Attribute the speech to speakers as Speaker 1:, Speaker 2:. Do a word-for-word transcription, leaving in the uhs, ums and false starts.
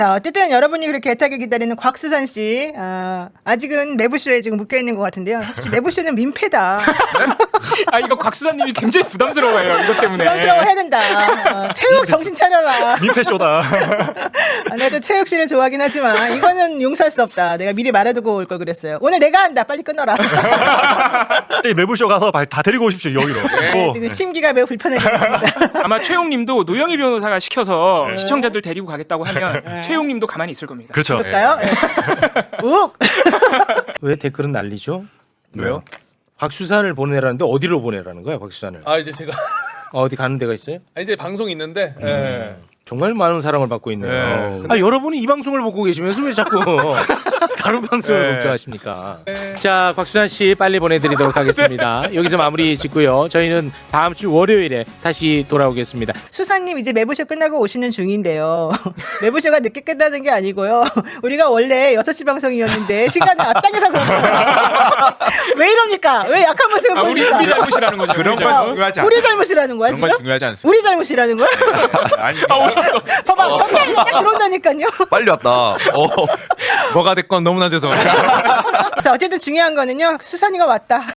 Speaker 1: 자, 어쨌든 여러분이 그렇게 애타게 기다리는 곽수산 씨, 어, 아직은 매부쇼에 지금 묶여 있는 것 같은데요. 혹시 매부쇼는 민폐다.
Speaker 2: 아 이거 곽수사님이 굉장히 부담스러워요. 이것 때문에.
Speaker 1: 부담스러워 해야 된다. 어, 체육 정신 차려라.
Speaker 3: 민폐쇼다.
Speaker 1: 아, 나도 체육 씨를 좋아하긴 하지만 이거는 용서할 수 없다. 내가 미리 말해두고 올 걸 그랬어요. 오늘 내가 한다. 빨리 끊어라.
Speaker 3: 빨리 매부쇼 가서 다 데리고 오십시오 여기로.
Speaker 1: 네,
Speaker 3: 어.
Speaker 1: 지금 심기가 매우 불편해졌습니다.
Speaker 2: 아마 최용님도 노영희 변호사가 시켜서
Speaker 3: 네.
Speaker 2: 시청자들 데리고 가겠다고 하면
Speaker 1: 네.
Speaker 2: 최용님도 가만히 있을 겁니다.
Speaker 3: 그렇죠.
Speaker 1: 그럴까요? 네. 욱!
Speaker 4: 왜 댓글은 난리죠?
Speaker 3: 왜요?
Speaker 4: 곽수산을 보내라는데 어디로 보내라는 거야, 곽수산을?
Speaker 5: 아 이제 제가
Speaker 4: 어, 어디 가는 데가 있어요?
Speaker 5: 아, 이제 방송이 있는데 예.
Speaker 4: 정말 많은 사랑을 받고 있네요.
Speaker 5: 네.
Speaker 4: 아, 여러분이 이 방송을 보고 계시면서 왜 자꾸 다른 방송을
Speaker 5: 네.
Speaker 4: 걱정하십니까? 자, 곽수산 씨 빨리 보내드리도록 하겠습니다. 여기서 마무리 짓고요. 저희는 다음 주 월요일에 다시 돌아오겠습니다.
Speaker 1: 수사님 이제 매부쇼 끝나고 오시는 중인데요. 매부쇼가 늦게 끝나는 게 아니고요. 우리가 원래 여섯 시 방송이었는데 시간을 앞당겨서 그런 거예요. 왜 이럽니까? 왜 약한 모습을
Speaker 2: 아 우리
Speaker 1: 보입니까?
Speaker 2: 우리 잘못이라는 거죠.
Speaker 6: 그런
Speaker 2: 우리
Speaker 6: 건
Speaker 2: 잘못.
Speaker 6: 중요하지 않아.
Speaker 1: 우리 잘못이라는 거야
Speaker 6: 그런
Speaker 1: 지금?
Speaker 6: 건 중요하지 않습니다.
Speaker 1: 우리 잘못이라는 거야?
Speaker 6: 아니
Speaker 2: 아 오셨어.
Speaker 1: 봐봐, 덕분에 딱 들어온다니까요.
Speaker 6: 빨리 왔다. 어.
Speaker 5: 뭐가 됐건 너무나 죄송합니다.
Speaker 1: 자, 어쨌든 중요한 거는요. 수산이가 왔다.